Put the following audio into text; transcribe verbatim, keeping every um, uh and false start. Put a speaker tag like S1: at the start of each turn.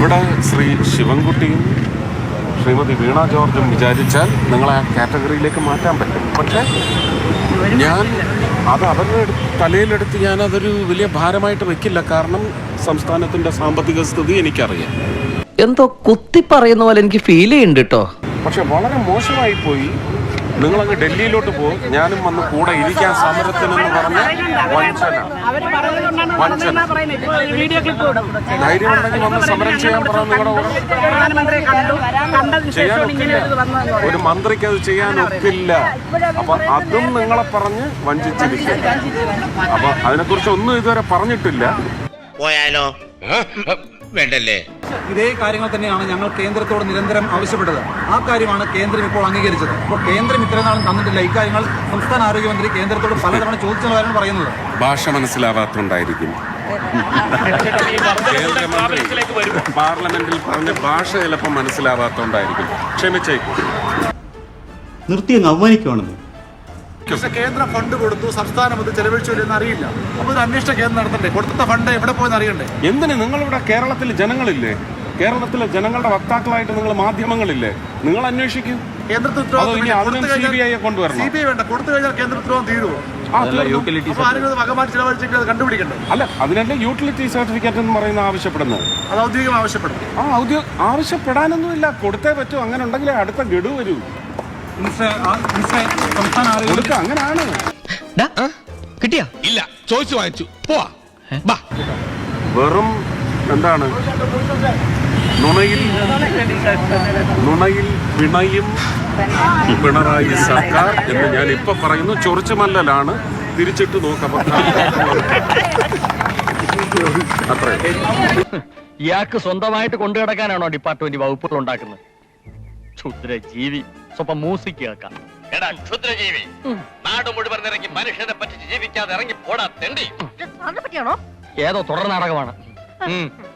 S1: ഇവിടെ ശ്രീ ശിവൻകുട്ടിയും ശ്രീമതി വീണ ജോർജും വിചാരിച്ചാൽ നിങ്ങളെ ആ കാറ്റഗറിയിലേക്ക് മാറ്റാൻ പറ്റും. പക്ഷേ ഞാൻ അത് അവരുടെ തലയിലെടുത്ത് ഞാനതൊരു വലിയ ഭാരമായിട്ട് വെക്കില്ല. കാരണം സംസ്ഥാനത്തിൻ്റെ സാമ്പത്തിക സ്ഥിതി എനിക്കറിയാം.
S2: എന്തോ കുത്തി പറയുന്ന പോലെ എനിക്ക് ഫീൽ ചെയ്യുന്നുണ്ട് കേട്ടോ.
S1: പക്ഷെ വളരെ മോശമായി പോയി. നിങ്ങളങ്ങ് ഡൽഹിയിലോട്ട് പോകും, ഞാനും വന്ന് കൂടെ ഇരിക്കാൻ സമരത്തിനെന്ന് പറഞ്ഞ വഞ്ചന വഞ്ചന ധൈര്യം ഉണ്ടെങ്കിൽ വന്ന് സമരം ചെയ്യാൻ പറയാൻ നിങ്ങളുടെ ചെയ്യാൻ ഒക്കില്ല. ഒരു മന്ത്രിക്ക് അത് ചെയ്യാൻ ഒക്കില്ല. അപ്പൊ അതും നിങ്ങളെ പറഞ്ഞ് വഞ്ചിച്ചിരിക്കും. അപ്പൊ അതിനെക്കുറിച്ച് ഒന്നും ഇതുവരെ പറഞ്ഞിട്ടില്ല.
S3: പോയാലോ വേണ്ടല്ലേ?
S4: ഇതേ കാര്യങ്ങൾ തന്നെയാണ് ഞങ്ങൾ കേന്ദ്രത്തോട് നിരന്തരം ആവശ്യപ്പെട്ടത്. ആ കാര്യമാണ് കേന്ദ്രം ഇപ്പോൾ അംഗീകരിച്ചത്. അപ്പോൾ കേന്ദ്രം ഇത്രയും നാളും തന്നിട്ടില്ല. ഇക്കാര്യങ്ങൾ സംസ്ഥാന ആരോഗ്യമന്ത്രി കേന്ദ്രത്തോട് പലതവണ ചോദിച്ചതാണ് പറയുന്നത്.
S1: ഭാഷ മനസ്സിലാവാത്തോണ്ടായിരിക്കും. കേന്ദ്രമന്ത്രി പാർലമെന്റിൽ പറഞ്ഞ ഭാഷ ചിലപ്പോൾ മനസ്സിലാവാത്തോണ്ടായിരിക്കും. ക്ഷമിച്ചേക്കും.
S5: നിർത്തി അങ്ങ് അവമാനിക്കുവാണെന്ന്.
S6: പക്ഷെ കേന്ദ്രം ഫണ്ട് കൊടുത്തു, സംസ്ഥാനം അത് ചെലവഴിച്ചില്ലെന്ന് അറിയില്ല. അപ്പൊ ഒരു അന്വേഷണ കേന്ദ്രം നടത്തണ്ടേ? കൊടുത്ത ഫണ്ട് എവിടെ പോയെന്ന് അറിയണ്ടേ?
S1: എന്തിന് നിങ്ങളിവിടെ കേരളത്തിലെ ജനങ്ങളില്ലേ? കേരളത്തിലെ ജനങ്ങളുടെ വക്താക്കളായിട്ട് നിങ്ങൾ മാധ്യമങ്ങളില്ലേ? നിങ്ങൾ അന്വേഷിക്കും.
S6: കേന്ദ്രത്തിൽ
S1: കൊണ്ടുവരണം.
S6: സി ബി ഐ വേണ്ട, കൊടുത്തു കഴിഞ്ഞാൽ കേന്ദ്ര ഉത്തരവാദിത്വം തീരുവോ? ആരെങ്കിലും വകമാറ്റി ചെലവഴിച്ചെങ്കിൽ അത് കണ്ടുപിടിക്കണ്ടേ?
S1: അല്ല, അതിനല്ലേ യൂട്ടിലിറ്റി സർട്ടിഫിക്കറ്റ് എന്ന് പറയുന്ന ആവശ്യപ്പെടുന്നത്.
S6: അത് ഔദ്യോഗികം ആവശ്യപ്പെടും.
S1: ആ ഔദ്യോഗിക ആവശ്യപ്പെടാനൊന്നുമില്ല, കൊടുത്തേ പറ്റൂ. അങ്ങനെ ഉണ്ടെങ്കിലേ അടുത്ത ഗഡു വരൂ.
S4: സംസ്ഥാന ആരോഗ്യ
S1: അങ്ങനെയാണ്.
S2: കിട്ടിയാ
S3: ഇല്ല, ചോദിച്ചു വാങ്ങിച്ചു പോവാ.
S1: വെറും എന്താണ് നുണയിൽ നുണയിൽ പിണയും പിണറായി സർക്കാർ എന്ന് ഞാൻ ഇപ്പൊ പറയുന്നു. ചൊറിച്ചുമല്ലലാണ്, തിരിച്ചിട്ട് നോക്കാം. അത്രേ.
S7: ഇയാൾക്ക് സ്വന്തമായിട്ട് കൊണ്ടു കിടക്കാനാണോ ഡിപ്പാർട്ട്മെന്റ് വകുപ്പുകൾ ഉണ്ടാക്കുന്നത്? ക്ഷുദ്രജീവി. സ്വപ്പം മ്യൂസിക് കേൾക്കാം.
S3: എടാ ക്ഷുദ്രജീവി, നാട് മുഴുവൻ ഇറങ്ങി മനുഷ്യനെ പറ്റി ജീവിക്കാതെ ഇറങ്ങി പോടാ തെണ്ടി.
S7: ഏതോ തുടർ നാടകമാണ്.